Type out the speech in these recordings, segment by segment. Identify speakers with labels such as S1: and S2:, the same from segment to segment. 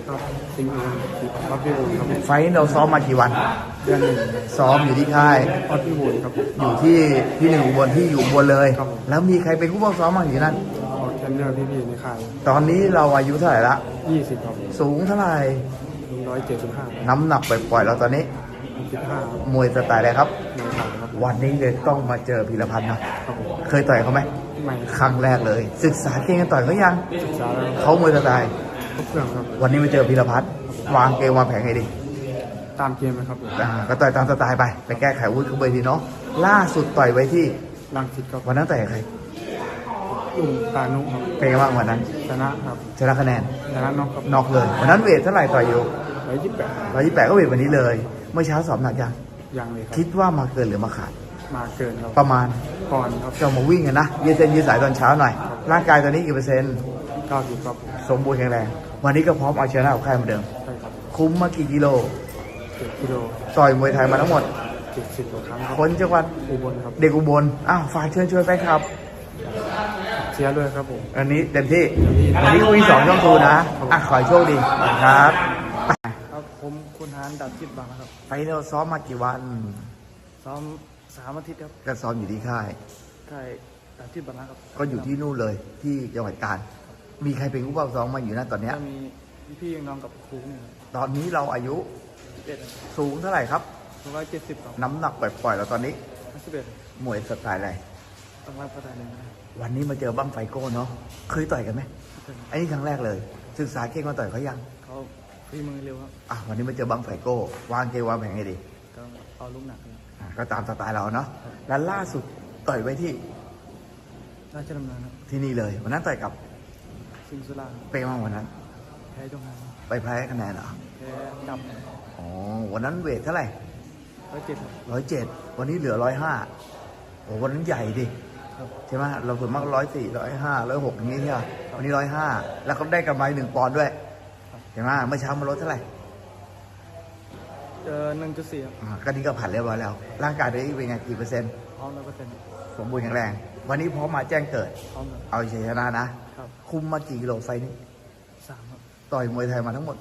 S1: ครับสิงห์ครับพี่บุญครับ
S2: ไฟท์เราซ้อมมากี่วัน
S1: เดือนหนึ่ง
S2: ซ้อมอยู่ที่ค่าย
S1: ออดพี่บุญครับ
S2: อยู่ที่หนึ่งอุบลที่อยู่อุบลเลย
S1: ครับผม
S2: แล้วมีใครเป็นผู้บังซ้อมบ้างอยู่นั่น
S1: ออกเทรนเนอร์พี่ๆในค่าย
S2: ตอนนี้เราอายุเท่าไหร่ละ
S1: 20ครับ
S2: สูงเท่าไหร่
S1: 175
S2: น้ำหนักปล่อยๆเราตอนนี้
S1: 15
S2: มวยสไตล์อะไรครับ
S1: ในไทยครับ
S2: วันนี้เลยต้องมาเจอพีรพันธ์นะครับ
S1: ผม
S2: เคยต่อยเขาไหม
S1: ไม่
S2: ครั้งแรกเลย ศึกษาเก่งกันต่อยเขายัง
S1: ศึกษาแล้ว
S2: เขามวยสไตล์
S1: ครบเครื่องครับ
S2: วันนี้มาเจอพีรพัฒน์วางเกมวางแผนไงดี
S1: ตามเกมนะครับผม
S2: ก็ต่อยตามสไตล์ไปแก้ไขวุฒิเขาไปทีเนาะล่าสุดต่อยไว้ที่
S1: ลังสิตครับ
S2: วันนั้นต่อยกับใคร
S1: ลุงตานุครับ
S2: เป็นไงบ้างวันนั้น
S1: ชนะครับ
S2: ชนะคะแนน
S1: ชนะน็อกครับ
S2: น็อกเลยวันนั้นเวทเท่าไหร่ต่อยอยู่
S1: 128
S2: 128ก็เวทวันนี้เลย เมื่อเช้าสอบหนักยัง
S1: ยังเลยครับ
S2: คิดว่ามาเกินหรือมาขาด
S1: มาเกินครับ
S2: ประมาณ
S1: ก่อนครับ
S2: จะมาวิ่งกันนะยืดเส้นยืดสายตอนเช้าหน่อย ร่างกายตอนนี้กี่เปอร์เซ็นต์
S1: 90ครับ
S2: สมบูรณ์แข็งแรง วันนี้ก็พร้อมเอาชนะกับค่ายเหมือนเดิม
S1: ใช่ครับ
S2: คุ้มมากี่กิโล
S1: 7กิโล
S2: ต่อยมวยไทยมาทั้งหมด
S1: 70กว่าครั้งครับ
S2: คนจังหวัด
S1: อุบลครับ
S2: เด็กอุบลอ้าวฝากเชิญชวนแฟนคลับ
S1: เชียร์ด้วยครับผม
S2: อันนี้เต็มที่วันนี้คุย2 ช่องทูนะขอให้โชคดีครับ
S1: ครับผมคุณฮานดับจิตบางนะครับ
S2: ไปเราซ้อมมากี่วัน
S1: ซ้อม3 อาทิตย์ครับ
S2: ก็ซ้อมอยู่ที่ค่าย
S1: ใช่ดับจิตบางนะครับ
S2: ก็อยู่ที่นู่นเลยที่จังหวัดกาญมีใครเป็นผู้เฝ้าซ้อมมาอยู่นะตอนเนี้ย
S1: ก็มีพี่ๆน้องกับครูนี่ครับ
S2: ตอนนี้เราอายุ
S1: 11
S2: สูงเท่าไหร่ครับ
S1: 170ครับ
S2: น้ำหนักปล่อยๆเราตอนนี้
S1: 51
S2: มวยสไตล์อะไร
S1: ต้องรับประทานหนึ่งนะครับ
S2: วันนี้มาเจอบั้งไฟโก้เนาะเคยต่อยกันไหมอันนี้ครั้งแรกเลย ศึกษาเก่งมาต่อยเขายัง
S1: เขาฝีมือเร็วครับ
S2: วันนี้มาเจอบั้งไฟโก้วางเกมวางแผนไงดี
S1: ก็เอาลูกหนักครับ
S2: ก็ตามสไตล์เราเนาะแล้วล่าสุดต่อยไว้ที่
S1: ราชดำเนินครับ
S2: ที่นี่เลยวันนั้นต่อยกับ
S1: สิงห์สุราครับ
S2: เป้มากวันนั้น
S1: แพ้จงหานครับ
S2: ไปแพ้คะแนนเหรอ
S1: แพ้ดับ
S2: อ๋อวันนั้นเวทเท่าไหร่
S1: 107ครับ
S2: 107วันนี้เหลือ105โอ้วันนั้นใหญ่ดิ
S1: ครับ
S2: ใช่ไหมเราส่วนมาก104 105 106อย่างนี้ใช่ไหมวันนี้105แล้วก็ได้กำไร1 ปอนด์ด้วยใช่ไหมเมื่อเช้ามาลดเท่าไหร่
S1: เจอ1.4ครับ
S2: ก็นี่ก็ผ่านเรียบร้อยแล้ว ร่างกายตัวเองเป็นไงกี่เปอร์เซ็นต์
S1: พร้อม100%
S2: สมบูรณ์แข็งแรง วันนี้พร้อมมาแจ้งเกิด
S1: พร้อมครับ
S2: เอาชัยชนะนะ
S1: ครับ
S2: คุมมากี่กิโลไฟนี้
S1: 3ครับ
S2: ต่อยมวยไทยมาทั้งหมด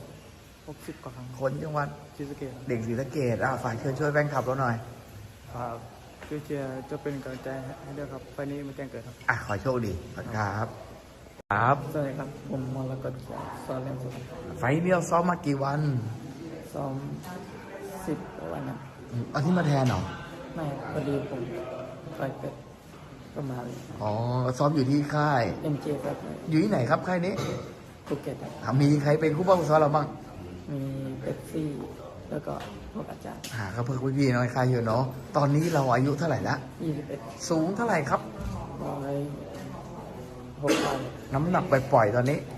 S1: 60กว่าครั้ง
S2: คนจังหวัด
S1: ชิสเกตครับ
S2: เด็กศรีสะเกษฝากเชิญช่วยแฟนคลับเราหน่อย
S1: ครับช่วยเชียร์จะเป็นกำลังใจให้ด้วยครับไฟล์นี้มาแจ้งเกิดครับ
S2: ขอโชคดีขอบคุณครับครับ
S1: สวัสดีครับผมมรกตสอนเล่นสุด
S2: ไฟล์นี้เราซ้อมมากี่วัน
S1: ซ้อม10กว่าวันครับ
S2: เอาที่มาแทนเหรอ
S1: ไม่พอดีผมไปเกิดประมาณ
S2: อ๋อซ้อมอยู่ที่ค่าย
S1: MJ ครับ
S2: อยู่ที่ไหนครับค่ายนี้
S1: ภูเก็ตครับ
S2: มีใครเป็นคู่บ้างซ้อมเราบ้าง
S1: มีเป๊ปซี่แล้วก็พวกอาจารย์
S2: ก็เพื่อนพี่ๆน้อยค่ายอยู่เนาะตอนนี้เราอายุเท่าไหร่ละ
S1: 21
S2: สูงเท่าไหร่ครับ
S1: 106
S2: น้ำหนักปล่อยๆตอนนี้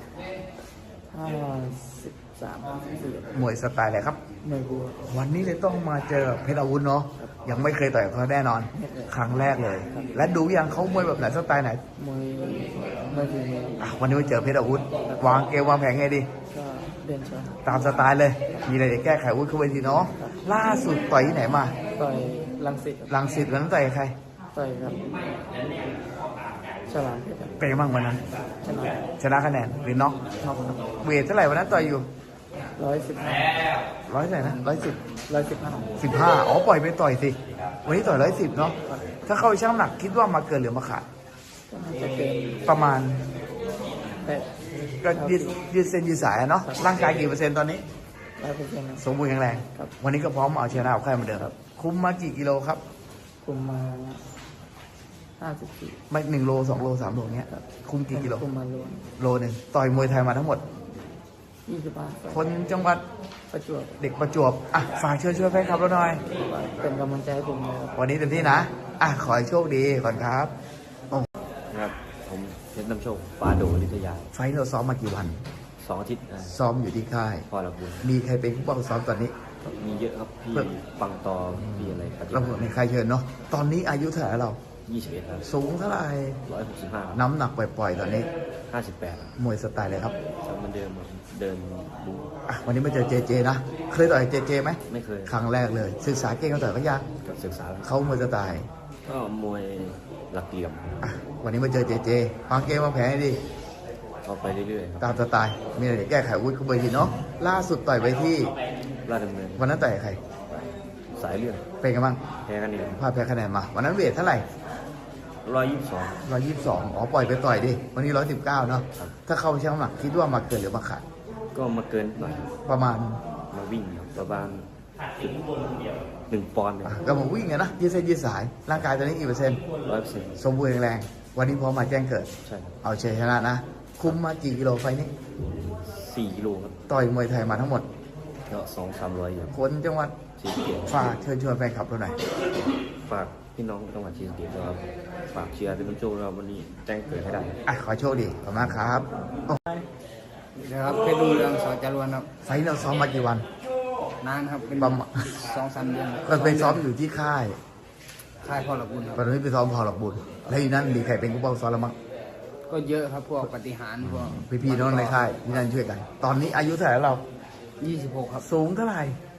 S1: 53 54
S2: มวยสไตล์อะไรครับ
S1: ไม่รู้
S2: วันนี้เลยต้องมาเจอเพชรอาวุธเนาะยังไม่เคยต่อยกับเขาแน่นอน ครั้งแรกเลย และดูยังเขามวยแบบไหนสไตล์ไหน
S1: มวยไม่ถึงมือ
S2: วันนี้มาเจอเพชรอาวุธ วางเกมวางแผนไงดี
S1: ก็เดินชน
S2: ตามสไตล์เลย มีอะไรจะแก้ไขอาวุธเข้าไปทีเนาะล่าสุดต่อยที่ไหนมา
S1: ต่อยลังสิตครับ
S2: ลังสิตวันนั้นต่อยกับใคร
S1: ต่อยกับฉลามเพชรครับ
S2: เป็นไงบ้างวันนั้น
S1: ชนะ
S2: ชนะคะแนนหรือน็อก
S1: น็อกครับ
S2: เวทเท่าไหร่วันนั้นต่อยอยู่
S1: 115
S2: ร้อยเท่าไหร่นะ110
S1: 115
S2: 15ปล่อยไปต่อยสิวันนี้ต่อย110เนาะถ้าเข้าช่างหนักคิดว่ามาเกินหรือมาขาด
S1: ก็น่าจะเกิน
S2: ประมาณ
S1: 8
S2: ก็ยืดเส้นยืดสายอะเนาะร่างกายกี่เปอร์เซ็นต์ตอนนี้
S1: 100%ครับ
S2: สมบูรณ์แข็งแรง
S1: ครับ
S2: วันนี้ก็พร้อมเอาชนะเอาค่ายเหมือนเดิมครับ คุ้มมากี่กิโลครับ
S1: คุมมา54
S2: ไม่1 โล 2 โล 3 โลเนี้ย
S1: ครับ
S2: คุ้มกี่กิโล
S1: คุมมาล้วน
S2: โลหนึ่งต่อยมวยไทยมาทั้งหมด
S1: 25
S2: คนจังหวัด
S1: ประจวบ
S2: เด็กประจวบฝากช่วยแฟนคลับเราหน่อย
S1: เป็นกำลังใจให้ผมนะครับ
S2: วันนี้เต็มที่นะขอให้โชคดีก่อนครับ
S3: ครับผมเพชรน้ำโชคปาโดนิทยา
S2: ไฟท์เราซ้อมมากี่วัน
S3: 2 อาทิตย์
S2: ซ้อมอยู่ที่ค่าย
S3: พอละบุญ
S2: มีใครเป็นผู้ป้องซ้อมตอนนี้
S3: มีเยอะครับ พี่ปังตอพี่อะไรปฏิ
S2: เรา
S3: บัติ
S2: ในใครเชิญเนาะตอนนี้อายุเท่าไหร่แล้วเรา
S3: 21ครับ
S2: สูงเท่าไหร่
S3: 165
S2: น้ำหนักปล่อยๆตอนนี้
S3: 58
S2: มวยสไตล์เลยครับ
S3: จำเหมือนเดิมเดินดู
S2: วันนี้มาเจอเจเจนะ เคยต่อยเจเจไหม
S3: ไม่เคย
S2: ครั้งแรกเลย ศึกษาเก่งเขาต่อยเขายัง
S3: กับศึกษาแล้ว
S2: เขามวยสไตล์
S3: ก็มวยหลักเหลี่ยม
S2: วันนี้มาเจอเจเจวางเกมวางแผนให้ดี
S3: ก็ไปเรื่อยๆครับ
S2: ตามสไตล์มีอะไรแก้ไขอาวุธเข้าไปทีเนาะล่าสุดต่อยไปที่
S3: ราชดำเนิน
S2: วันนั้นต่อยกับใคร
S3: สายเลือด
S2: เป็นกันบ้าง
S3: แพ้กันเอง
S2: พลาดแพ้คะแนนมาวันนั้นเวทเท่าไหร่
S3: 122
S2: 122อ๋อปล่อยไปต่อยดิวันนี้119เนาะถ้าเข้าช่างน้ำหนักคิดว่ามาเกินหรือมาขาด
S3: ก็มาเกินหน่อย
S2: ประมาณ
S3: มาวิ่งครับประมาณ1 ปอนด์เนี่ย
S2: ก็มาวิ่งไงนะยืดเส้นยืดสายร่างกายตอนนี้กี่เปอร์เซ็นต์
S3: 100%
S2: สมบูรณ์แข็งแรงวันนี้พร้อมมาแจ้งเกิด
S3: ใช่ครับ
S2: เอาชัยชนะนะ คุมมากี่กิโลไฟนี้
S3: 4 กิโลครับ
S2: ต่อยมวยไทยมาทั้งหมด
S3: ก็200-300อยู่
S2: คนจังหวัด
S3: ชีสเกียรติ
S2: ฝากเชิญชวนแฟนคลับเราหน่อย
S3: ฝากพี่น้องจังหวัดชีสเกียรตินะครับฝากเชียร์เป็นน้ำโชคเราวันนี้แจ้งเกิดให้ได้
S2: อ่ะขอโชคดีขอบคุณมากครับโอ้
S1: นะครับเพชรรุ่งเรืองสอจารวนครับ
S2: ไฟท์เราซ้อมมากี่วัน
S1: นานครับเป็น
S2: ประมาณ
S1: 2-3 เดือน
S2: ก็ไปซ้อมอยู่ที่ค่าย
S1: ค่ายพ่อหลักบุญครับ
S2: ตอนนี้ไปซ้อมพอหลอกบุญแล้วอยู่นั่นมีใครเป็นกู้เป้าซ้อมแล้วมั้ง
S1: ก็เยอะครับพวกปฏิหารพวก
S2: พี่ๆน้องในค่ายที่นั่นช่วยกัน ตอนนี้อายุเท่าไหร่แล้วเรา
S1: 26ครับ
S2: สูงเท่าไหร่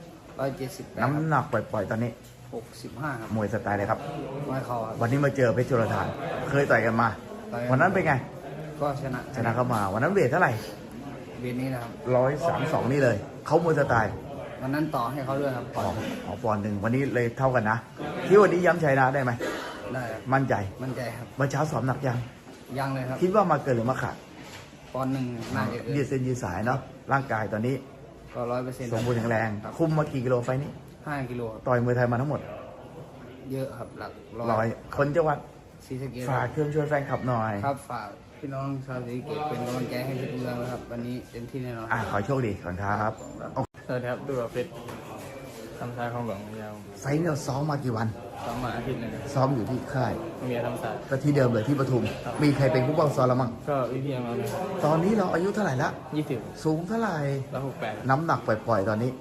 S1: 178
S2: น้ำหนักปล่อยๆตอนนี้
S1: 65ครับ
S2: มวยสไตล์เลยครับ
S1: ไม้เขาครับ
S2: วันนี้มาเจอเพชรจุลธานเคยต่อยกันมา
S1: ต่อยกัน
S2: วันนั้นเป็นไง
S1: ก็ชนะ
S2: ชนะเข้ามา วันนั้นเวทเท่าไหร่
S1: เบียดนี้นะครับ
S2: 132นี่เลย เขามวยสไตล์
S1: วันนั้นต่อให้เขาด้วยครับ
S2: อ๋อปอนด์หนึ่งวันนี้เลยเท่ากันนะ ที่วันนี้ย้ำชัยนะได้ไหม
S1: ได้ครับ
S2: มั่นใจ
S1: มั่นใจครับ
S2: เมื่อเช้าสอบหนักยัง
S1: ยังเลยครับ
S2: คิดว่ามาเกินหรือมาขาด
S1: ปอนด์หนึ่งน่าจะเกิ
S2: ยืด
S1: น
S2: เส้นยืดสายเนาะ ร่างกายตอนนี้
S1: ก็100%
S2: สมบูรณ์แข็งแรง คุมมากี่กิโลไฟล์นี้
S1: 5 กิโลครับ
S2: ต่อยมวยไทยมาทั้งหมด
S1: เยอะครับหลัก
S2: ร้อยคนจังหวัด
S1: ศรีสะเกษ
S2: ฝากเชิญชวนแฟนคลับหน่อย
S1: ครับฝากพี่น้องชาวศรีสะเกษเป็นกำลังใจให้เพชรรุ่งเรืองนะครับ วันนี้เต็มที่แน่นอน
S2: ขอโชคดีก่อนครับ
S4: สวัสดีครับดูกับเพชรทำสายของหลวงยาว
S2: ไฟล์เนี่ยซ้อมมากี่วัน
S4: ซ้อมมาอาทิตย์หนึงครับ
S2: ซ้อมอยู่ที่ค่าย
S4: เมียทำสาย
S2: ก็ที่เดิมเลยที่ปทุม มีใครเป็นผู้บังซ้อมแล้วมั้ง
S4: ก็วิพีเอ็มเราเนี่ย
S2: ตอนนี้เราอายุเท่าไหร่ละ
S4: 20
S2: สูงเท่าไหร่
S4: 168
S2: น้ำหนักปล่อยๆตอนนี้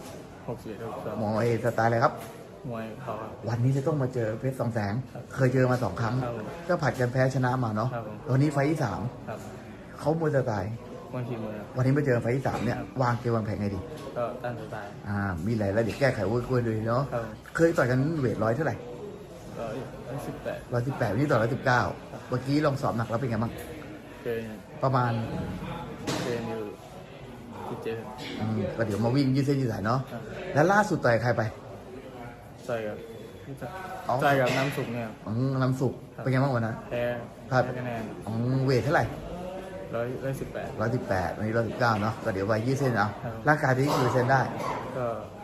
S4: 61
S2: หม
S4: 62
S2: อเอสไตล์อะไรครับ
S4: มวยเขาครับ
S2: วันนี้จะต้องมาเจอเพชรสองแสง เคยเจอมา2 ครั้ง
S4: ครับผม
S2: ก็ผัดกันแพ้ชนะมาเนาะ
S4: ครับผม
S2: วันนี้ไฟล์ที่
S4: ครับ
S2: 3เขามวยสไตล์
S4: มวยฝีมือครับ
S2: วันนี้มาเจอไฟล์ที่ 3 เนี่ย วางเกมวางแผนไงดี
S4: ก็ตั้งสไตล์
S2: มีหลายระดับแก้ไขวุ้ยดูเนาะ
S4: ครับ
S2: เคยต่อยกันเวทร้อยเท่าไหร่
S4: ก็18
S2: 118วันนี้ต่อ119เมื่อกี้ลองสอบหนักแล้วเป็นไงบ้าง
S4: เคย
S2: ประมาณ
S4: อยู่17
S2: ก็เดี๋ยวมาวิ่งยืดเส้นยืดสายเนาะ
S4: ครับ
S2: แล้วล่าสุดต่อยใครไป
S4: ใส่กับ
S2: อ๋อ
S4: ใส่กับน้ำสุกเนี่ยครับ
S2: น้ำสุก
S4: ครับ
S2: เป็นไงบ้างวันนั้น
S4: แพ้
S2: ครับ
S4: คะแนน
S2: เวทเท่าไหร่
S4: 118
S2: 118วันนี้119เนาะก็เดี๋ยวไปยืดเส้นเอา
S4: ครับ
S2: ร่างกายที่กี่เปอร์เซ็นต์ได้
S4: ก็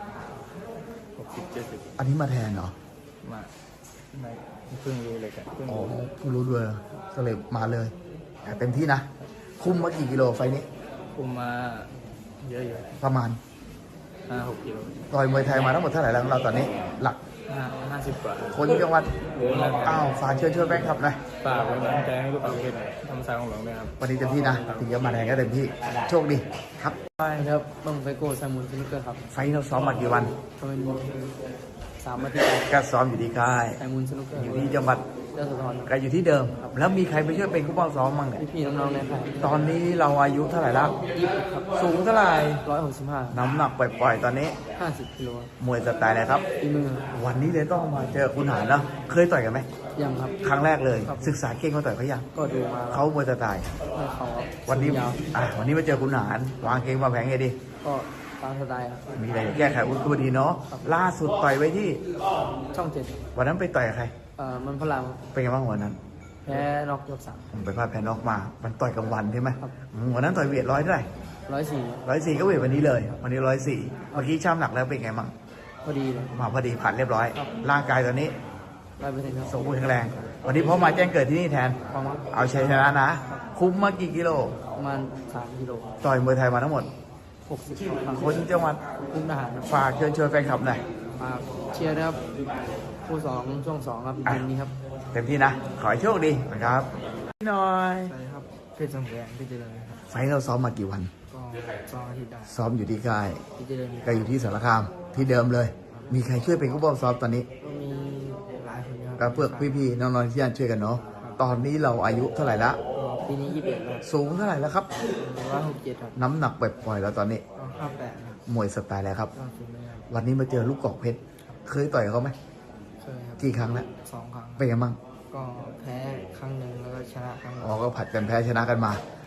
S4: 60 70
S2: อันนี้มาแทนเหรอ
S4: มาไม่เพิ่งรู้เลยกันเพิ่ง
S2: อ๋อ
S4: รู้
S2: เพิ่งรู้ด้วยก็เลยมาเลยแต่เต็มที่นะ คุมมากี่กิโลไฟล์นี้
S4: คุมมาเยอะอยู่
S2: ประมาณ
S4: 5-6 กิโล
S2: ต่อยมวยไทยมาทั้งหมดเท่าไหร่แล้วของเราตอนนี้ หลัก
S4: 50 กว่า
S2: คนจังหวัดฝากเชิญชวนแฟนคลับหน่อย
S4: ฝากเป็นกำลังใจให้ลูกฝากเพชรทำสายของหลวงด้วยครับ
S2: วันนี้เต็มที่นะถึงจะมาแทนก็เต็มที่โชคดีครับ
S1: ใช่ครับต้องไปโก้สมุนสนุกเกอร์ครับ
S2: ไฟล์เราซ้อมมากี่วัน
S1: ก็เป็น3 อาทิตย์
S2: ก็ซ้อมอยู่ที่ค่าย
S1: ไอมูลสนุกเกอร์
S2: อยู่ที่จังหวัด
S1: เจ้าสะท้อน
S2: ก็อยู่ที่เดิม แล้วมีใครไปช่วยเป็นผู้ป้องซ้อมมั่งเนี่ย
S1: พี่ๆน้องๆในค่าย
S2: ตอนนี้เราอายุเท่าไหร่แล้ว
S1: 20ครับ
S2: สูงเท่าไหร่
S1: 165
S2: น้ำหนักปล่อยๆตอนนี้
S1: 50 กิโล
S2: มวยสไตล์อะไรครับ
S1: อีมือ
S2: วันนี้เลยต้องมาเจอคุณหานเนาะเคยต่อยกันไหม
S1: ยังครับ
S2: ครั้งแรกเลย
S1: ครับ
S2: ศึกษาเก่งเขาต่อยเขายัง
S1: ก็ดูมา
S2: เขามวยสไตล์
S1: ให้เขา
S2: วันนี้
S1: ยาว
S2: วันนี้มาเจอคุณหานวางเก่งวางแผนไงดี
S1: ก็ตามสไตล์ครับ
S2: มีอะไรแก้ไขอุปสรรคดีเนาะล่าสุดต่อยไว้ที่
S1: ช่อง7
S2: วันนั้นไปต่อยกับใคร
S1: มันพลัง
S2: เป็นไงบ้างวันนั้น
S1: แพ้น็อกยก
S2: ผมไปพลาดแพ้นอกมา มันต่อยกลางวันใช่ไหม
S1: ครับ
S2: วันนั้นต่อยเวทร้อยเท่าไหร่
S1: 3 104
S2: 104ก็เวทวันนี้เลย วันนี้104เมื่อกี้ช่ำหนักแล้วเป็นไงบ้าง
S1: พอดีเลย
S2: มาพอดีผ่านเรียบร้อย
S1: ครับ
S2: ร่างกายตอนนี้
S1: 100%ครับ
S2: สมบูรณ์แข็งแรง วันนี้พร้อมมาแจ้งเกิดที่นี่แทน
S1: ความว่า
S2: เอาชัยชนะนะ คุ้มมากี่กิโล
S1: ประมาณ3 กิโล
S2: ต่อยมวยไทยมาทั้งหมด
S1: 60 ครั้ง
S2: คนจังหวัด
S1: คุ้มทหารครับ
S2: ฝากเชิญชวนแฟนคลับหน่อย
S1: มาเชียร์นะครับคู่2ช่วง2ครับเย็นนี้ครับ
S2: เต็มที่นะ ขอให้โชคดีนะครับพี่หน่อย
S1: สวัสดีครับเพชรสมแดงพี่เจริญครับ
S2: ไฟท์เราซ้อมมากี่วัน
S1: ก็2 อาทิตย์ได้
S2: ซ้อมอยู่ที่ค่าย
S1: พี่เจริญ
S2: ก็อยู่ที่สารคามที่เดิมเลย มีใครช่วยเป็นผู้ป้องซ้อมตอนนี้
S1: ก็มีหลายคนครับ
S2: ก็เพื่อพี่ๆน้องๆที่ย่านช่วยกันเนาะ ตอนนี้เราอายุเท่าไหร่ละ
S1: ปีนี้21แล้ว
S2: สูงเท่าไหร่แล้วครับ
S1: 167ครับ
S2: น้ำหนักปล่อยๆแล้วตอนนี้
S1: ก็58ครับ
S2: มวยสไตล์แล้วครับ
S1: ก็ฝีมือครับ
S2: วันนี้มาเจอลูกกอกเพชร เคยต่อยกับเขาไหม
S1: เคยครับ
S2: กี่ครั้งแล้ว
S1: 2 ครั้ง
S2: เป็นไงบ้าง
S1: ก็แพ้ครั้งหนึ่งแล้วก็ชนะครั้งหนึ่ง
S2: อ๋อก็ผัดกันแพ้ชนะกันมา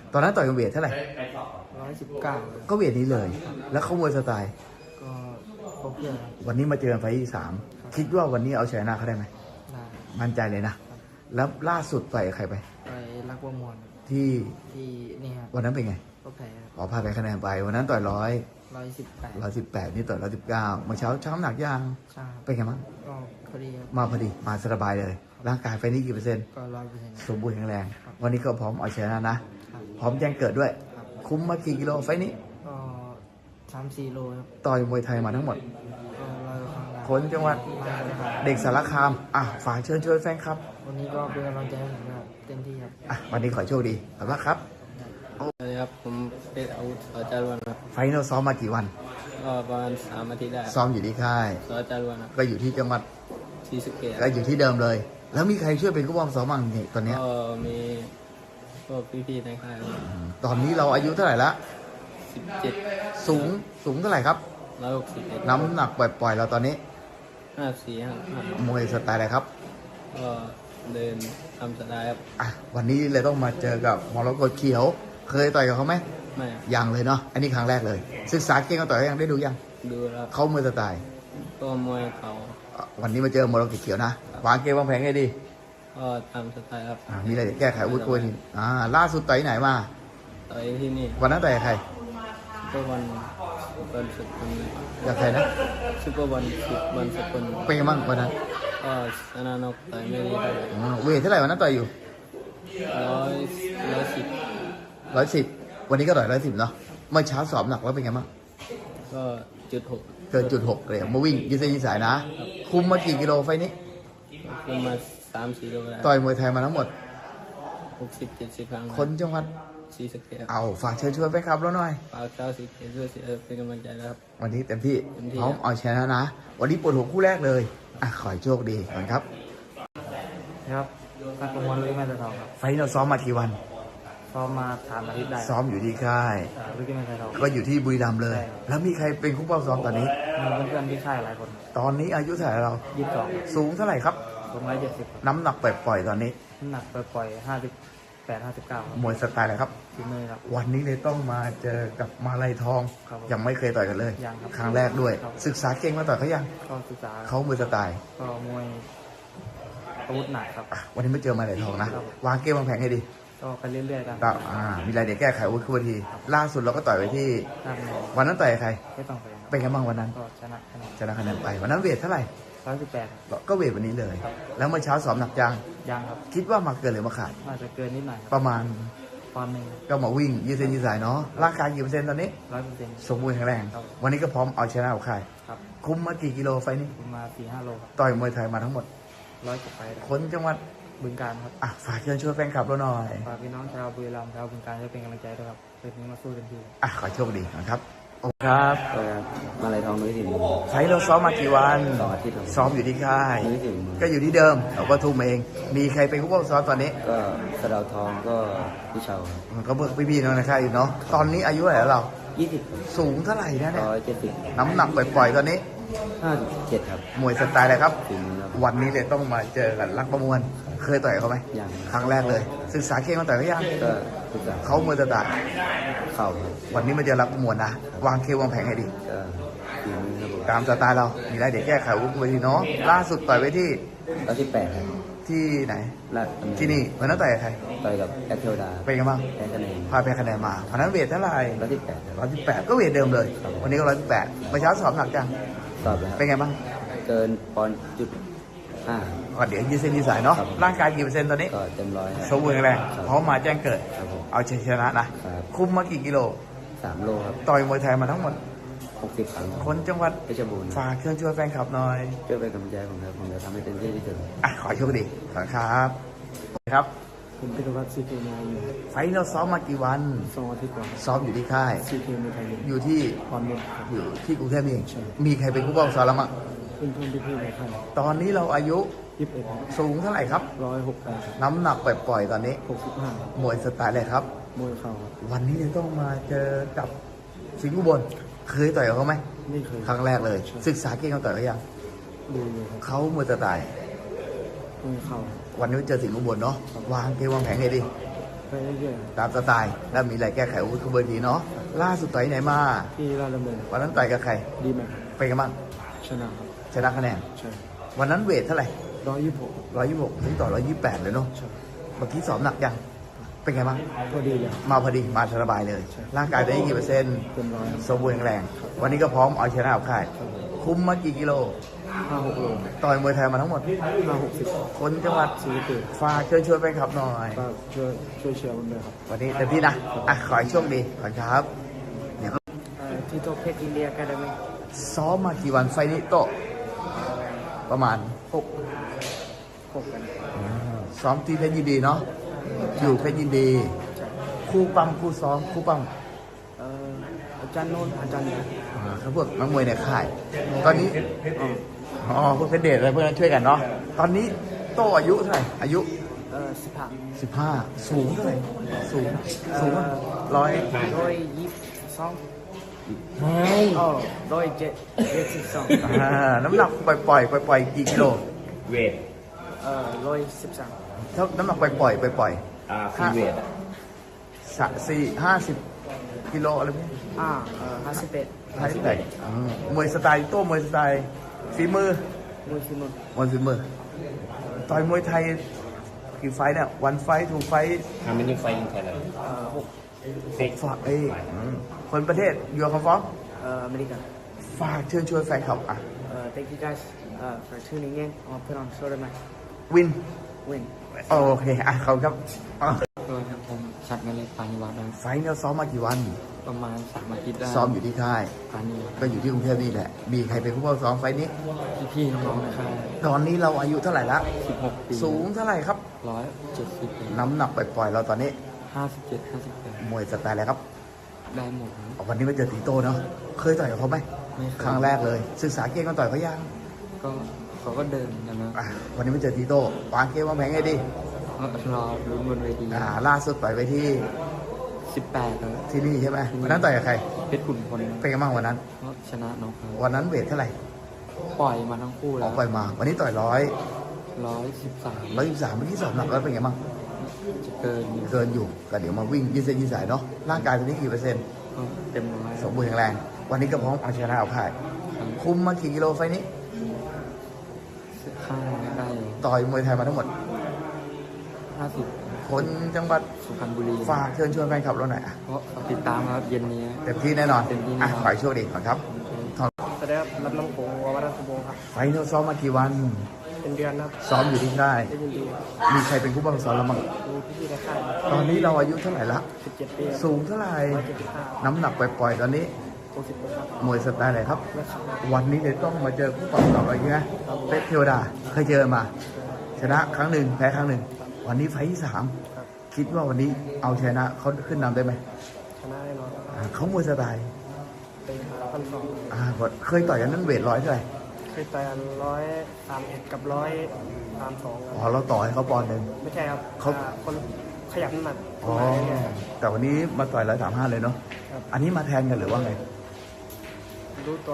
S2: ตอนนั้นต่อยกันเวทเท่าไหร่
S1: 119
S2: ก็เวทนี้เลย แล้วเขามวยสไตล์
S1: ก็ครบเพื่อนครับ
S2: วันนี้มาเจอกันไฟล์ที่สามคิดว่าวันนี้เอาชนะเขาได้ไหม
S1: ได้
S2: มั่นใจเลยนะ แล้วล่าสุดต่อยกับใครไป
S1: ไปรักว่ามวล
S2: ที่
S1: ที่นี่ครับ
S2: วันนั้นเป็นไง
S1: ก็แพ้
S2: ขอพาไปคะแนนไป วันนั้นต่อย
S1: 118
S2: 118นี่ต่อย119เมื่อเช้าช้ำหนักยัง
S1: ใช่ครับ
S2: เป็นไงบ้าง
S1: ก็พอดีครับ
S2: มาพอดี มาสบายเลย ร่างกายไฟนี้กี่เปอร์เซ็นต์
S1: ก็100%
S2: สมบูรณ์แข็งแรง วันนี้ก็พร้อมเอาชนะนะ พร้อมแจ้งเกิดด้วย คุ้มมากี่กิโลไฟนี้
S1: ก็3-4 โลครับ
S2: ต่อยมวยไทยมาทั้งหมด
S1: ก็100 ครั้งได้
S2: คนจังหวัด
S1: มาเลยครับ
S2: เด็กสารคามฝากเชิญชวนแฟนครับ
S1: วันนี้ก็เป็นกำลังใจให้ผมครับเต็มที่ครับ
S2: วันนี้ขอโชคดีขอบคุณครับ
S4: สวัสดีครับผมเป็นอาวุธสจารวนครับ
S2: ไฟนอลซ้อมมากี่วัน
S4: ก็ประมาณ3 อาทิตย์ได้
S2: ซ้อมอยู่ที่ค่าย
S4: สจารวนครับ
S2: ก็อยู่ที่จังหวัด
S4: ศรีสะเกษ
S2: ก็อยู่ที่เดิมเลย แล้วมีใครช่วยเป็นผู้บังซ้อมบ้างนี่ตอนเนี้ย
S4: ก็มีพวกพี่ๆในค่าย
S2: ตอนนี้เราอายุเท่าไหร่ละ
S4: 17
S2: สูงเท่าไหร่ครับ
S4: 161
S2: น้ำหนักปล่อยๆเราตอนนี้
S4: 54
S2: มวยสไตล์อะไรครับ
S4: ก็เดินทำสไตล์ครับ
S2: วันนี้เลยต้องมาเจอกับมรกตเขียว เคยต่อยกับเขาไหม
S4: ไม่ครับ
S2: ยังเลยเนาะ อันนี้ครั้งแรกเลย ศึกษาเก่งเขาต่อยยังได้ดูยัง
S4: ดูแล้ว
S2: เขามวยสไตล์
S4: ก็มวยเขา
S2: วันนี้มาเจอมรกตเขียวนะ วางเกมวางแผนให้ดี
S4: ก็ทำสไตล์ครับ
S2: มีอะไรจะแก้ไขวุ้ยคุยล่าสุดต่อยไหนมา
S4: ต่อยที่นี่
S2: วันนั้นต่อยกับใคร
S4: ก็วันสุดคน
S2: กับใครนะ
S4: ซุปเปอร์วันสุดคน
S2: เป็นไงบ้างวันนั้น
S4: ก็ชนะนกต่อยไม่ดีเท่าไหร่
S2: เวทเท่าไหร่วันนั้นต่อยอยู่
S4: 110
S2: 110 วันนี้ก็ต่อย110เนาะ เมื่อเช้าสอบหนักแล้วเป็นไงบ้าง
S4: ก็.6
S2: เกิน.6เลยมาวิ่งยืดเส้นยืดสายนะ คุมมากี่กิโลไฟนี้
S4: ขึ้นมา3-4 โลได้
S2: ต่อยมวยไทยมาทั้งหมด
S4: 60-70 ครั้ง
S2: คนจังหวัด
S4: ศรีสะเกษ
S2: เอาฝากเชิญชวนไปครับแล้วหน่อย
S4: ฝากชาวศรีสะเกษด้วยเป็นกำลังใจนะครับ
S2: วันนี้เต็มที่
S4: เต็มที่
S2: พร้อมเอาชนะนะ วันนี้ปวดหัวคู่แรกเลย ขอให้โชคดีก่อนครับ
S1: ครับนักประมวลลุยแม่ตะทองครับ
S2: ไฟนี้เราซ้อมมากี่วัน
S1: ซ้อมมา3 อาทิตย์ได้
S2: ซ้อมอยู่ที่ค่าย
S1: ลุยแม่ตะทอง
S2: ก็อยู่ที่บุรีรัมย์เลย
S1: ใช่
S2: แล้วมีใครเป็นคู่เป้าซ้อมตอนนี้
S1: มีเพื่อนๆที่ค่ายหลายคน
S2: ตอนนี้อายุเท่าไหร่เรา
S1: 22
S2: สูงเท่าไหร่ครับ
S1: ผม170
S2: น้ำหนักปล่อยๆตอนนี้
S1: น้ำหนักปล่อยๆ58-59ครับ
S2: มวยสไตล์อะไรครับ
S1: ทีมือครับ
S2: วันนี้เลยต้องมาเจอกับมาลัยทอง
S1: ครับผม
S2: ยังไม่เคยต่อยกันเลย
S1: ยังครับ
S2: ครั้งแรกด้วย
S1: ครับ
S2: ศึกษาเก่งมาต่อยเขายัง
S1: ก็ศึกษา
S2: เขามวยสไตล์
S1: ก็มวยอาวุธหนักครับ
S2: วันนี้ไม่เจอมาลัยทองนะ
S1: ครับ
S2: วางเกมวางแผนให้ดี
S1: ก็ไปเรื่อยๆกัน
S2: ก็มีอะไรเดี๋ยวแก้ไขอาวุธขึ้นวันที ล่าสุดเราก็ต่อยไปที่
S1: ท่าน
S2: วันนั้นต่อยกับใคร
S1: ไม่ต้องไปครับ
S2: เป็นไงบ้างวันนั้น
S1: ก็ชนะคะแนน
S2: ชนะคะแนนไป วันนั้นเวทเท่าไหร่
S1: 118
S2: ก็เวทวันนี้เลย แล้วเมื่อเช้าสอบหนักจัง
S1: ยังครับ
S2: คิดว่ามาเกินหรือมาขาด
S1: น่าจะเกินนิดหน่อยครับ
S2: ประมาณ
S1: ปอนด์หนึ่ง
S2: ก็มาวิ่งยืดเส้นยืดสายเนาะ ร่างกายกี่เปอร์เซ็นต์ตอนนี้
S1: 100%
S2: สมบูรณ์แข็งแรง
S1: ครับ
S2: วันนี้ก็พร้อมเอาชนะกับใคร
S1: ครับ
S2: คุมมากี่กิโลไฟนี้
S1: ผมมา 4-5 โลครับ
S2: ต่อยมวยไทยมาทั้งหมด
S1: 100 กว่าไฟล์ครับ
S2: คนจังหวัด
S1: บึงการครับ
S2: ฝากเชิญชวนแฟนคลับเราหน่อย
S1: ฝากพี่น้องชาวบุรีรัมย์ชาวบึงการจะเป็นกำลังใจด้วยครับเรื่องนี้มาสู้เต็มที่
S2: ขอโชคดีนะครับครับ
S3: ก็มาลายทองนุ้ยถิ่น
S2: ไฟล์เราซ้อมมากี่วัน
S3: 2 อาทิตย์ครับ
S2: ซ้อมอยู่ที่ค่าย
S3: นุ้ยถิ่น
S2: ก็อยู่ที่เดิมเราก็ทุ่มเอง มีใครเป็นผู้ป้องซ้อมตอนนี้
S3: ก็สะเดาวทองก็พี่เชา
S2: ก็เบิกพี่ๆน้องในค่ายอยู่เนาะ ตอนนี้อายุเท่าไหร่แล้วเรา
S3: 20
S2: สูงเท่าไหร่นะเนี่ย
S3: 170
S2: น้ำหนักปล่อยๆตอนนี้
S3: 57 ครับ
S2: มวยสไตล์อะไรครับ
S3: ถึงครับ
S2: วันนี้เลยต้องมาเจอกันรักประมวล เคยต่อยเขาไหม
S3: ยัง
S2: ครั้งแรกเลย ศึกษาเก่งมาต่อยเขายัง
S3: ก็ศึกษา
S2: เขามวยสไตล์
S3: เข่าครับ
S2: วันนี้มาเจอรักประมวลนะ วางเควางแผงให้ดี
S3: ก็ถึงครับผม
S2: ตามสไตล์เรา มีอะไรเดี๋ยวแก้ไขวุ้นไปทีเนาะ ล่าสุดต่อยไปที่
S3: แล้วที่8ครับ
S2: ที่ไหน
S3: ลาดดำเ
S2: ที่นี่วันนั้นต่อยกับใคร
S3: ต่อยกับแอคเทลดา
S2: เป็นไงบ้าง
S3: แพ้คะแนน
S2: พาไปคะแนนมาวันนั้นเวทเท่าไหร่
S3: แล้วที่8ครับ
S2: 118ก็เวทเดิมเลย วันนี้ก็118เมื่อเช้าสอบหนักจัง
S3: สอบแล้ว
S2: เป็นไงบ้าง
S3: เกินปอนด์จุด5
S2: ก็เดี๋ยวยืดเส้นยืดสายเนาะ
S3: ครับ
S2: ร่างกายกี่เปอร์เซ็นต์ตอนนี้
S3: ก็เต็มร้อยครับ
S2: สมบูรณ์แข็งแรง
S3: ครับ
S2: พร้อมมาแจ้งเกิด
S3: ครับผม
S2: เอาชัยชนะนะ
S3: ครับ
S2: คุมมากี่กิโล
S3: 3 โลครับ
S2: ต่อยมวยไทยมาทั้งหมด
S3: 60 ครั้ง
S2: คนจังหวัด
S3: เพชรบูรณ์
S2: ฝากเชิญชวนแฟนคลับหน่อย
S3: ช่วยเป็นกำลังใจให้ผมครับผมจะทำให้เต็มที่ที่สุด
S2: ขอโชคดีขอบคุณครับครับ
S1: ผมพิทวัฒน์ซีเคมาอยู่
S2: ไฟท์เราซ้อมมากี่วัน
S1: 2 อาทิตย์ก่อน
S2: ซ้อมอยู่ที่ค่าย
S1: ซีเคมีไทย
S2: อยู่ที่
S1: ความเร็วครับ
S2: อยู่ที่กรุงเทพนี่เองมีใครเป็นผู้ป้องซ้อมแล้วมั้ง
S1: เพื่อนๆพี่ๆในค่าย
S2: ตอนนี้เราอายุ
S1: 21
S2: สูงเท่าไหร่ครับ
S1: 168ครับ
S2: น้ำหนักปล่อยๆตอนนี้
S1: 65
S2: มวยสไตล์อะไรครับ
S1: มวยเข่าครับ
S2: วันนี้เนี่ยต้องมาเจอกับสิงห์อุบลเคยต่อยกับเขาไหม
S1: ไม่เคย
S2: ครั้งแรกเลย ศึกษาเก่งเขาต่อยเขายัง
S1: ดูอยู่ครับ
S2: เขามวยสไตล์
S1: มวยเข่าครับ
S2: วันนี้เจอสิงห์อุบลเนาะวางเกมวางแผนให้ดี
S1: ไปเรื่อย
S2: ตามสไตล์แล้วมีอะไรแก้ไขอาวุธคุมเวทีเนาะล่าสุดต่อยที่ไหนมา
S1: ๆที่ราชดำเนิน
S2: วันนั้นต่อยกับใคร
S1: ดีไหม
S2: เป็นกันบ้าง
S1: ชนะครับ
S2: ชนะคะแนน
S1: ใช่
S2: วันนั้นเวทเท่าไหร่
S1: 126
S2: 126ถึงต่อ128เลยเนาะ
S1: ใช่
S2: เมื่อกี้สอบหนักยังเป็นไงบ้าง
S1: พอดีเลย
S2: มาพอดีมาสบายเลย ร่างกายได้กี่เปอร์เซ็นต์
S1: เต็มร้อย
S2: สมบูรณ์แข็งแรง วันนี้ก็พร้อมเอาชนะเอาค่าย คุมมากี่กิโล
S1: 56 โล
S2: ต่อยมวยไทยมาทั้งหมด
S1: 560
S2: คนจังหวัด
S1: ศรีสะเกษ
S2: ฝากเชิญชวนไปขับหน่อย
S1: ก็ช่วยเชียร์ผมด้วยครับ
S2: วันนี้เต็มที่นะอ่ะขอให้โชคดีขอบคุณครับเดี๋ยว
S1: ที่โตเพชรอินเดียแคดมี
S2: ซ้อมมากี่วันไฟล์นี้โตะประมาณ
S1: 6กัน
S2: ซ้อมที่เพชรยินดีเนาะอยู่เพชรยินดี คู่ปั้มคู่ซ้อมคู่ปั้ม
S1: อาจารย์โน้นอาจารย์เนี่ย
S2: เขาพวกนักมวยในค่าย ตอนนี้อ๋อพวกเพชรเดชอะไรพวกนั้นช่วยกันเนาะตอนนี้โตอายุเท่าไหร่อายุ 15สูงเท่าไหร่สูงร้อย
S1: 122
S2: น้ำหนักปล่อยกี่กิโล
S3: เวท
S1: 113
S2: เท่าน้ำหนักปล่อย
S3: ฟรีเวท
S2: 50 กิโลอะไรพวกนี้
S1: 51
S2: มวยสไตล์โต้มวยสไตล์ฝีมือ
S1: มวยฟิม
S2: มวยฝีมือต่อยมวยไทยกี่ไฟต์เนี่ยวันไฟต์ทูไฟต์
S3: How many fight in Thailand
S2: ฝากคนประเทศยูคอมฟอร์ม
S1: อเมริกา
S2: ฝากเชิญชวนแฟนคลับอ่ะ
S1: thank you guys for tuning in I'll put on shoulder match
S2: วิน
S1: win
S2: โอเคอ่ะเขาครับอ่ะ
S4: ตัวครับผมชัดเงินเล็กปานิวัฒน์นะ
S2: ไฟต์เนี่ยซ้อมมากี่วัน
S4: ประมาณ3 อาทิตย์ได้
S2: ซ้อมอยู่ที่ค่าย
S4: ปานิวัฒน์
S2: ก็อยู่ที่กรุงเทพนี่แหละ มีใครเป็นผู้ป้องซ้อมไฟต์นี้
S4: พี่ๆน้องๆนะครับ
S2: ตอนนี้เราอายุเท่าไหร่ละ
S4: 16 ปี
S2: สูงเท่าไหร่ครับ
S4: 170
S2: น้ำหนักปล่อยๆเราตอนนี้
S4: 57 58
S2: มวยสไตล์อะไรครับ
S4: ได้หมดครับ
S2: วันนี้มาเจอตีโต้เนาะ เคยต่อยกับเขาไหม
S4: ไม่เคย
S2: ครั้งแรกเลย ศึกษาเกมกันต่อยเขายัง
S4: ก็เขาก็เดินกันนะ
S2: อ่ะวันนี้มาเจอตีโต้วางเกมวางแผนไงดี
S4: ก็รอลุ้นบนเวที
S2: ล่าสุดต่อยไปที่
S4: 18แล้ว
S2: ที่นี่ใช่ไหมวันนั้นต่อยกับใคร
S4: เพชรขุนพล
S2: เป็นไงบ้างวันนั้น
S4: ก็ชนะน้องเขา
S2: วันนั้นเวทเท่าไหร่
S4: ปล่อยมาทั้งคู่
S2: อ
S4: แล้
S2: อ
S4: ว
S2: กไปมา วันนี้ต่อย
S4: 113
S2: 123เมื่อกี้สอบหนักแล้วเป็นไงบ้าง
S4: จะเกินอยู่
S2: เกินอยู่ก็เดี๋ยวมาวิ่งยืดเส้นยืดสายเนาะ ร่างกายตอนนี้กี่เปอร์เซ็นต์
S4: ก็เต็มร้อย
S2: สมบูรณ์แข็งแรง วันนี้ก็พร้อมเอาชนะเอาพ่าย คุมมากี่กิโลไฟล์นี้
S4: ข้างไม่ได้
S2: ต่อยมวยไทยมาทั้งหมด
S4: 50
S2: คนจังหวัด
S4: สุพรรณบุรี
S2: ฝากเชิญชวนแฟนคลับเราหน่อยอ่ะ
S4: เพราะติดตามครับเย็นนี้
S2: เต็มที่แน่นอน
S4: เต็มที่
S2: อ่ะ
S4: แน่นอน
S2: ขอให้โชคดีก่อนครับ
S1: สวัสดีครับรับน้ำโขงววัฒนสุโบครับ
S2: ไฟล์เราซ้อมมากี่วัน
S1: เป็นเดือนครับ
S2: ซ้อมอยู่ที่ค่าย
S1: ได้ยินดี
S2: มีใครเป็นผู้บังคับซ้อมเราบ้าง
S1: ดูพี่ๆในค่าย
S2: ตอนนี้เราอายุเท่าไหร่ละ
S1: 17 ปี
S2: สูงเท่าไหร่
S1: 175
S2: น้ำหนักปล่อยๆตอนนี้
S1: 60ครับ
S2: มวยสไตล์ไหนครับ
S1: นะครับ
S2: วันนี้เดี๋ยวต้องมาเจอผู้ปรับเก่าอะไรเงี้ยเป็ดเทวดา เคยเจอมา ชนะครั้งหนึ่งแพ้ครั้งหนึ่ง วันนี้ไฟล์ที่ 3 คิดว่าวันนี้เอาชนะเขาขึ้นนำได้ไหม
S1: ชนะแน่นอนครับ
S2: เขามวยสไตล์
S1: เป็น1,200
S2: เคยต่อยกันนั้นเวทร้อยเท่าไหร่
S1: เคยต่อย131กับ132
S2: อ๋อเราต่อให้เขาปอนด์หนึ่ง
S1: ไม่ใช่ครับ
S2: เขา
S1: คนขยับน้ำหนัก
S2: อ๋อ
S1: มาเรื่อย
S2: แต่วันนี้มาต่อย135เลยเนาะ
S1: ๆครับ
S2: อันนี้มาแทนกันหรือว่าไง
S1: รู้ตัว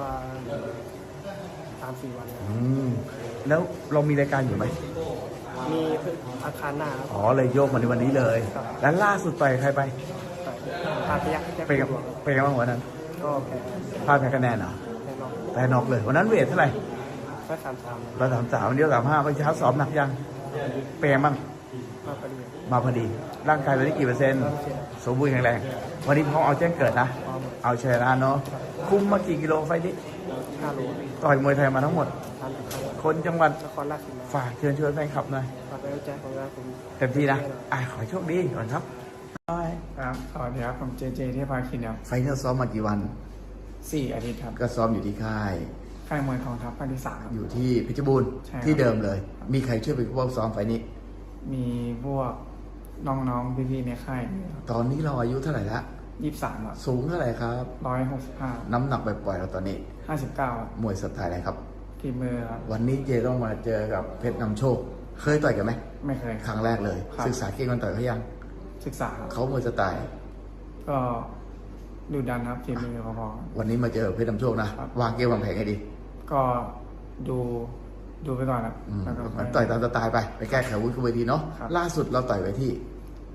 S1: 3-4 วันครับ
S2: แล้วเรามีรายการอยู่ไหม
S1: มีอาคารหน้าครับ
S2: อ๋อเลยโยกมาในวันนี้เลย แล้วล่าสุดต่อยใครไป
S1: ต่อยพาพยักแจ็ค
S2: เป็นกับ
S1: หลวง
S2: เป็นกับวันนั้น
S1: ก็แพ้
S2: พลาดแพ้คะแนนเหรอ
S1: แน่นอน
S2: แต่นอกเลย วันนั้นเวทเท่าไหร่
S1: ก็33
S2: 133วันเดียว35ไปเช้าสอบหนักยังเป็นไงบ้าง
S1: มาพอดี
S2: มาพอดี ร่างกายตอนนี้กี่เปอร์เซ็นต์ สมบูรณ์แข็งแรง วันนี้พร้อมเอาแจ้งเกิดนะ
S1: พร้อม
S2: เอาชนะเนาะ คุมมากี่กิโลไฟล์นี้
S1: 5 โล
S2: ต่อยมวยไทยมาทั้งหมด
S1: ทันครับ
S2: คนจังหวัด
S1: นครราชสีมา
S2: ฝากเชิญชวนแฟนคลับหน่อย
S1: ฝากไปเอาใจของเราผม
S2: เต็มที่นะขอให้โชคดีก่อนครับ
S1: ครับสวัสดีครับผมเจเทพาคินครับ
S2: ไฟนอลซ้อมมากี่วัน
S1: 4 อาทิตย์ครับ
S2: ก็ซ้อมอยู่ที่ค่าย
S1: ค่ายมวยทองทัพภาคที่ 3
S2: อยู่ที่เพชรบูรณ์
S1: ใช่ครับ
S2: ที่เดิมเลย มีใครช่วยเป็นผู้ซ้อมไฟล์นี้
S1: มีพวกน้องๆพี่ๆในค่าย
S2: ตอนนี้เราอายุเท่าไหร่ละ
S1: 23ครับ
S2: สูงเท่าไหร่ครับ
S1: 165
S2: น้ำหนักปล่อยๆเราตอนนี้
S1: 59ครับ
S2: มวยสไตล์อะไรครับ
S1: ทีมือครับ
S2: วันนี้เจต้องมาเจอกับเพชรนำโชค เคยต่อยกันไหม
S1: ไม่เคย
S2: ครั้งแรกเลย
S1: ครับ
S2: ศึกษาเกมกันต่อยเขายัง
S1: ศึกษาครับ
S2: เขามวยสไตล์
S1: ก็ดูดันครับทีมือพอ
S2: วันนี้มาเจอเพชรนำโชคนะ
S1: ครับ
S2: วางเกมวางแผนให้ดี
S1: ๆก็ดูไปก่อนครับ
S2: อืม
S1: แล้วก็
S2: มันต่อยตามสไตล์ไปแก้ไขอาวุ้นคุเวทีเนาะ
S1: ครับ
S2: ล่าสุดเราต่อยไว้ที่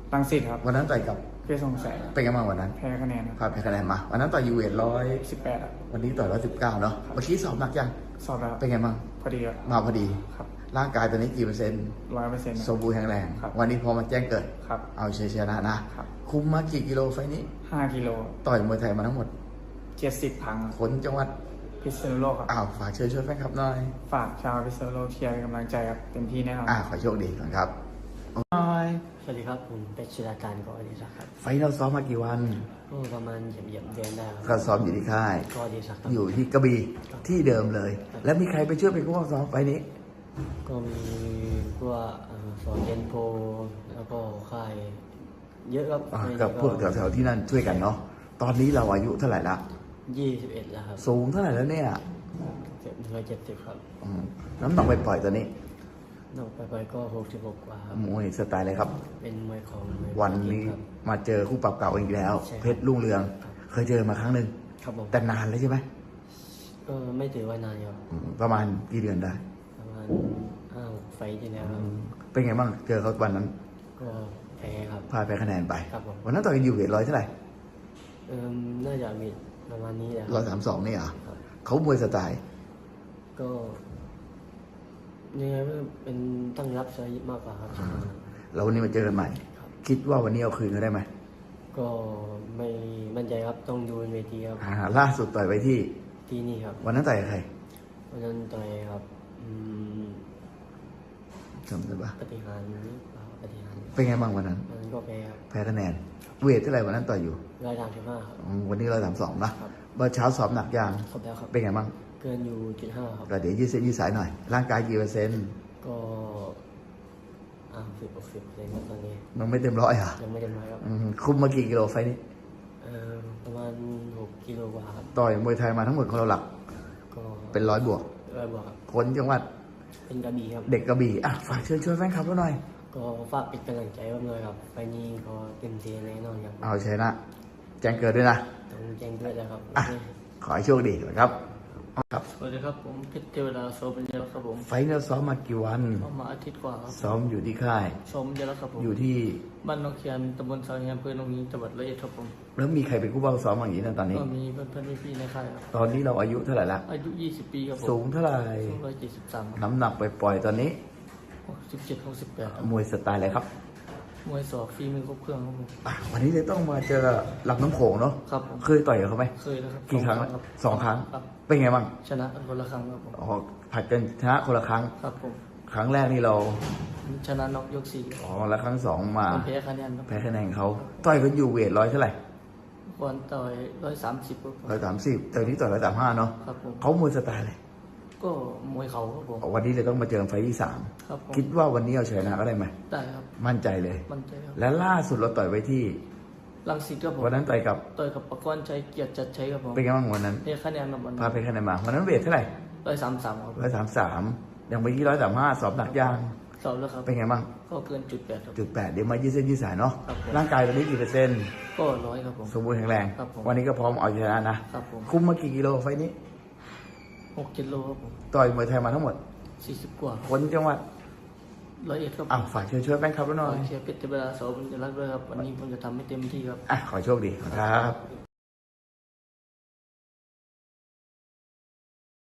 S1: รังสิตครับ
S2: วันนั้นต่อยกับ
S1: เพชรสองแสน
S2: เป็นไงบ้างวันนั้น
S1: แพ้คะแนน
S2: พาแพ้คะแนนมาวันนั้นต่อยยูเวท
S1: 18ครับ
S2: วันนี้ต่อย119เนาะเมื่อกี้สอบหนักยัง
S1: สอบแล้ว
S2: เป็นไงบ้าง
S1: พอดีครับ
S2: มาพอดี
S1: ครับ
S2: ร่างกายตอนนี้กี่เปอร์เซ็นต์
S1: 100%
S2: สมบูรณ์แข็งแรง
S1: ครับ
S2: วันนี้พอมาแจ้งเกิด
S1: ครับ
S2: เอาชัยชนะนะครับ คุมมากี่กิโลไฟล์นี้
S1: 5กิโล
S2: ต่อยมวยไทยมาทั้งหมด
S1: 70 ครั้งครับ
S2: คนจังหวัด
S1: พิษณุโลกครับ
S2: อ้าวฝากเชิญชวนแฟนคลับหน่อย
S1: ฝากชาวพิษณุโลกเชียร์เป็นกำลังใจครับเต็มที่แน่นอน
S2: ขอโชคดีก่อนครับหน่อย
S5: สวัสดีครับผมเป็ดชิราการกอดีศักดิ์ครับ
S2: ไฟล์เราซ้อมมากี่วัน
S5: ก็ประมาณเหยียบเดือนได้ค
S2: ก็
S5: รับ
S2: ซ้อมอยู่ที่ค่าย
S5: กอดีศักดิ์ครับ
S2: อยู่ที่กระบี่ที่เดิมเลย แล้วมีใครไปช่วยเป็นผู้ฝึกซ้อมไฟล์นี้
S5: ก็มีพวกสอนเยนโพแล้วก็ค่ายเยอะครับ
S2: กับพวกแถวๆที่นั่นช่วยกันเนาะตอนนี้เราอายุเท่าไหร่ละ
S5: 21แล้วครับ
S2: สูงเท่าไหร่แล้วเนี่ย
S5: 170ครับ
S2: อืมน้ำหนักไปปล่อยๆตอนนี้
S5: นอกไปก็66กว่าครับ
S2: มวยสไตล์อะไรครับ
S5: เป็นมวยของมย
S2: วันนี้
S5: ครับ
S2: มาเจอคู่ปรับเก่าอีกแล้ว
S5: ใช่ครับ
S2: เพชรรุ่งเรือง เคยเจอมาครั้งหนึ่ง
S5: ครับผม
S2: แต่นานแล้วใช่ไหม
S5: ก็ไม่ถือว่านานครับ
S2: ประมาณกี่เดือนได้
S5: ประมาณ5-6 ไฟล์ที่แล้วครับ
S2: เป็นไงบ้างเจอเขาวันนั้น
S5: ก็แพ้ครับ
S2: พาไปคะแนนไป
S5: ครับผม
S2: วันนั้นต่อยกันอยู่เวทร้อยเท่าไหร่
S5: น่าจะมีประมาณนี้แหละค
S2: ร้อ
S5: รั
S2: ย
S5: บ
S2: 32นี่เหรอ
S5: ครับ
S2: เขามวยสไตล์
S5: ก็ยังไงก็เป็นตั้งรับใช้มากกว่าครับ
S2: แล้ววันนี้มาเจอกันใหม่ คิดว่าวันนี้เอาคืนเขาได้ไหม
S5: ก็ไม่มั่นใจครับต้องดูบนเวทีครับ
S2: ล่าสุดต่อยไปที่
S5: ที่นี่ครับ
S2: วันนั้นต่อยกับใคร
S5: วันนั้นต่อยครับ
S2: จำได้ปะ
S5: ปฏิหารย์หรือเปล่าปฏิหารย์
S2: เป็นไงบ้างวันนั้น
S5: วันนั้นก็แพ้ครับ
S2: แพ้คะแนน เวทเท่าไหร่วันนั้นต่อยอยู่
S5: 135ครับ
S2: วันนี้132นะครับ เมื่อเช้าสอบหนักยาง
S5: ครบแล้วครับ
S2: เป็นไงบ้าง
S5: เกินอยู่จุด5ครับ
S2: ก็เดี๋ยวยืดเส้นยืดสายหน่อย ร่างกายกี่เปอร์เซ็นต์
S5: ก็10-60เลยครับตอนนี้
S2: มันไม่เต็มร้อยอ่ะ
S5: ยังไม่ได้มาครับ
S2: คุมมากี่กิโลไฟล์นี้
S5: ประมาณ6 กิโลกว่าครับ
S2: ต่อยมวยไทยมาทั้งหมดของเราหลัก
S5: ก็
S2: เป็น100 บวก
S5: 100 บวกครับ
S2: คนจังหวัด
S5: เป็นกระบี่ครับ
S2: เด็กกระบี่ฝากเชิญชวนแฟนคลับเราหน่อย
S5: ก็ฝากเป็นกำลังใจผมเลยครับไปนี้ก็เต็มที่แน่นอนครับ
S2: เอาชนะแจ้งเกิดด้วยนะ
S5: ต้องแจ้งด้วยแล้วครับ
S2: ขอให้โชคดีครับ ครับ
S4: สวัสดีครับผมเพชรเทวดาโซบัญญาครับผม
S2: ไฟล์เราซ้อมมากี่วัน
S4: เข้ามาอาทิตย์กว่าครับ
S2: ซ้อมอยู่ที่ค่าย
S4: โซบัญญาครับผม
S2: อยู่ที่
S4: บ้านนกเขียนตำบลสาวเฮียอำเภอหนองฮีจังหวัดร้อยเอ็ดครับผม
S2: แล้วมีใครเป็นผู้เฝ้าซ้อมอย่างนี้นะตอนนี้
S4: ก็มีเพื่อนๆพี่ๆในค่ายครับ
S2: ตอนนี้เราอายุเท่าไหร่ละ
S4: อายุ20 ปีครับผม
S2: สูงเท่าไหร่
S4: 173
S2: น้ำหนักไปปล่อยๆตอนนี้
S4: 67-68ครับ
S2: มวยสไตล์อะไรครับ
S4: มวยศอกฝีมือครบเครื่องครับผม
S2: วันนี้เลยต้องมาเจอหลักน้ำโขงเนาะ
S4: ครับผม
S2: เคยต่อยกับเขาไหม
S4: เคยแล้วครับ
S2: กี่ครั้ง
S4: ครับ
S2: 2 ครั้ง
S4: ครับ
S2: เป็นไงบ้าง
S4: ชนะกันคนละครั้งครับผม
S2: อ๋อผัดกันชนะคนละครั้ง
S4: ครับผม
S2: ครั้งแรกนี่เรา
S4: ชนะน็อกยก
S2: แล้วครั้งสองมา
S4: 4แพ้คะแนนครับ
S2: แพ้คะแนนเขาต่อยกันอยู่เวทร้อยเท่าไหร่
S4: ก่อนต่อย130ครับผม
S2: 130แต่วันนี้ต่อย135เนาะ
S4: ครับผม
S2: เขามวยสไตล์อะไร
S4: ก็มวยเขาครับผม
S2: วันนี้เลยต้องมาเจอไฟล์ที่
S4: ครับผม
S2: 3คิดว่าวันนี้เอาชนะก็ได้ไหม
S4: ได้ครับ
S2: มั่นใจเลย
S4: มั่นใจครับ
S2: และล่าสุดเราต่อยไปที่
S4: ลังสิตครับผม
S2: วันนั้นต่อยกับ
S4: ต่อยกับประกรณ์ชัยเกียรติจัดชัยครับผม
S2: เป็นไงบ้างวันนั้น
S4: เพียคะแนนครับวัน
S2: พาไปคะแนนมาวันนั้นเวทเท่าไหร่
S4: 133ครับ
S2: 133อย่างเมื่อกี้135สอบหนักยาง
S4: สอบแล้วครับ
S2: เป็นไงบ้าง
S4: ก็เกินจุด 8ครับ
S2: 8เดี๋ยวมายืดเส้นยืดสายเนาะ
S4: ครับผม
S2: ร่างกายตอนนี้กี่เปอร์เซ็นต์
S4: ก็100ครับผม
S2: สมบูรณ์แข็งแรง
S4: ครับผม
S2: วันนี้ก็พร้อมเอาชนะนะครับ
S4: ผม
S2: คุมมากี่กิโลไฟล์นี้
S4: 6 กิโลครับผม
S2: ต่อยมวยไทยมาทั้งหมด
S4: 40 กว่า
S2: คนจังหวัด
S4: 101ครับผม
S2: ฝากเชิญชวนแฟนคลับเราหน่อย
S4: เชียร์เพชรเทวดาโสบุญรักษ์ด้วยครับวันนี้ผมจะทำให้เต็มที่ครับ
S2: ขอโชคดีครับ